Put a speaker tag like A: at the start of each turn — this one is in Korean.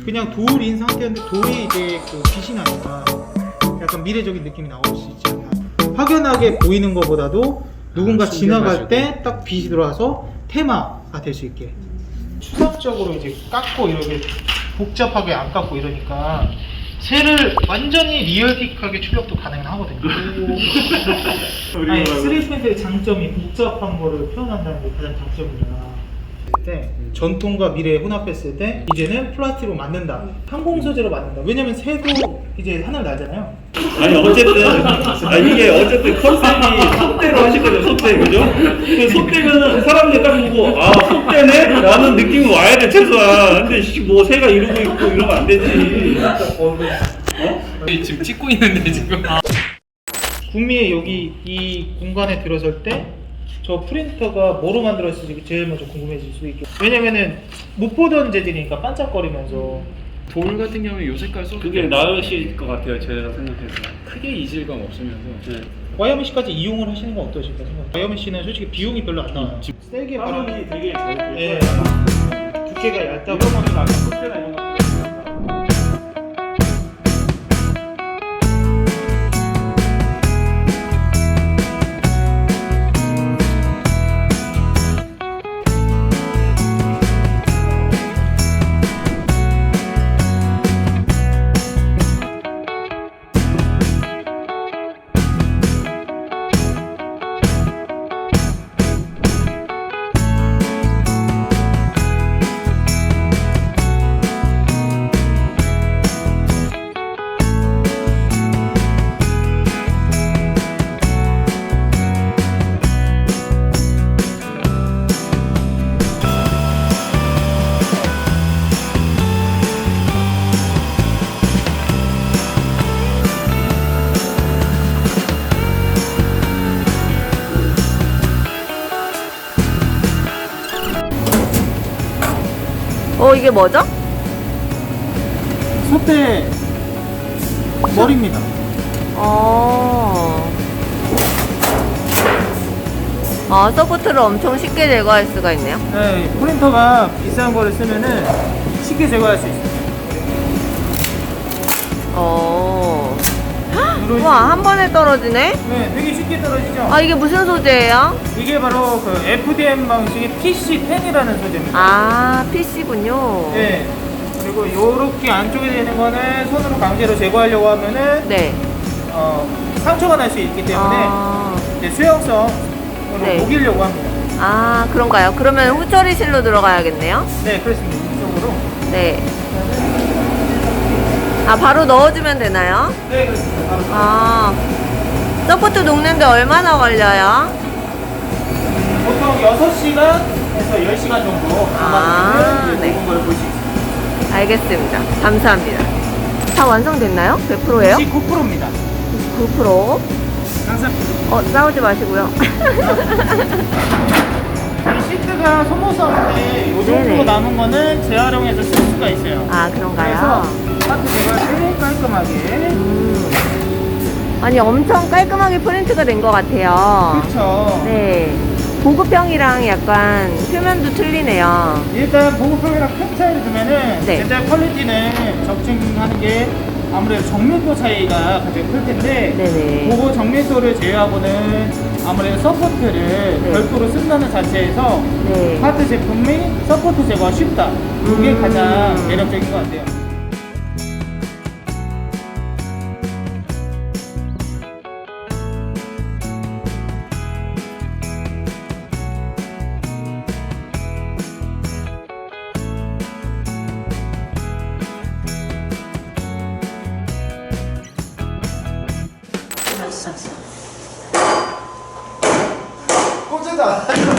A: 그냥 돌인 상태였는데 돌이 이제 그 빛이 나니까 약간 미래적인 느낌이 나올 수 있지 않나. 확연하게 보이는 것보다도 누군가 지나갈 때 딱 빛이 들어와서 테마가 될 수 있게 추상적으로 이제 깎고 이렇게 복잡하게 안 깎고 이러니까 새를 완전히 리얼틱하게 출력도 가능하거든요. 아니 3D 펜슬의 장점이 복잡한 거를 표현한다는 게 가장 장점이라. 전통과 미래 혼합했을 때 이제는 플라스틱으로 만든다, 항공 소재로 만든다. 왜냐면 새도 이제 하늘 날잖아요.
B: 아니 어쨌든 이게 어쨌든 컨셉이 속대로 하실 거죠. 속대, 그죠? 그 속대면은 사람들 딱 보고 아 속대네? 라는 느낌이 와야 돼 최소한. 근데 뭐 새가 이러고 있고 이러면 안 되지.
C: 지금 찍고 있는데 지금.
A: 구미에 여기 이 공간에 들어설 때 저 프린터가 뭐로 만들었을지 제일 먼저 궁금해질 수 있게. 왜냐면은 못 보던 재질이니까 반짝거리면서.
C: 돌 같은 경우에 요 색깔 써도
B: 그게 나으실 것 같아요. 제가 생각해서.
C: 크게 이질감 없으면서.
B: 네.
A: YMC까지 이용을 하시는 건 어떠실까 생각? YMC는 솔직히 비용이 별로 안 나와요. 세게 바람이
B: 되게 잘 들어요.
A: 예. 두께가 얇다고.
B: 이런 거는 아까 속대나 이런 거.
D: 이게 뭐죠?
A: 소대 머리입니다.
D: 서포트를 엄청 쉽게 제거할 수가 있네요.
A: 네, 프린터가 비싼 거를 쓰면은 쉽게 제거할 수 있어요.
D: 우와, 한 번에 떨어지네?
A: 네, 되게 쉽게 떨어지죠?
D: 이게 무슨 소재예요?
A: 이게 바로 그 FDM 방식의 PC10이라는 소재입니다.
D: PC군요.
A: 네. 그리고 요렇게 안쪽에 되는 거는 손으로 강제로 제거하려고 하면은
D: 네.
A: 상처가 날 수 있기 때문에 이제 수용성으로
D: 네.
A: 녹이려고 합니다.
D: 그런가요? 그러면 후처리실로 들어가야겠네요?
A: 네, 그렇습니다. 이쪽으로.
D: 네. 바로 넣어주면 되나요?
A: 네, 그렇습니다. 바로
D: 서포트 녹는데 얼마나 걸려요?
A: 보통 6시간에서 10시간 정도 남았는
D: 네.
A: 녹은 걸 볼 수 있습니다.
D: 알겠습니다. 감사합니다. 다 완성됐나요? 100%예요?
A: 99%입니다.
D: 9%.
A: 항상
D: 싸우지 마시고요.
A: 이 시트가 소모성인데 이 정도
D: 네네.
A: 남은 거는 재활용해서 쓸 수가 있어요.
D: 그런가요?
A: 그래서 파트 제거할 때 깔끔하게.
D: 아니, 엄청 깔끔하게 프린트가 된 것 같아요.
A: 그렇죠.
D: 네. 보급형이랑 약간 표면도 틀리네요.
A: 일단 보급형이랑 큰 차이를 두면은
D: 네.
A: 제작 퀄리티는 적중하는 게 아무래도 정밀도 차이가 가장 클 텐데
D: 네네.
A: 그거 정밀도를 제외하고는 아무래도 서포트를
D: 네.
A: 별도로 쓴다는 자체에서
D: 네.
A: 파트 제품 및 서포트 제거가 쉽다. 그게 가장 매력적인 것 같아요. 꽂지도 않아요.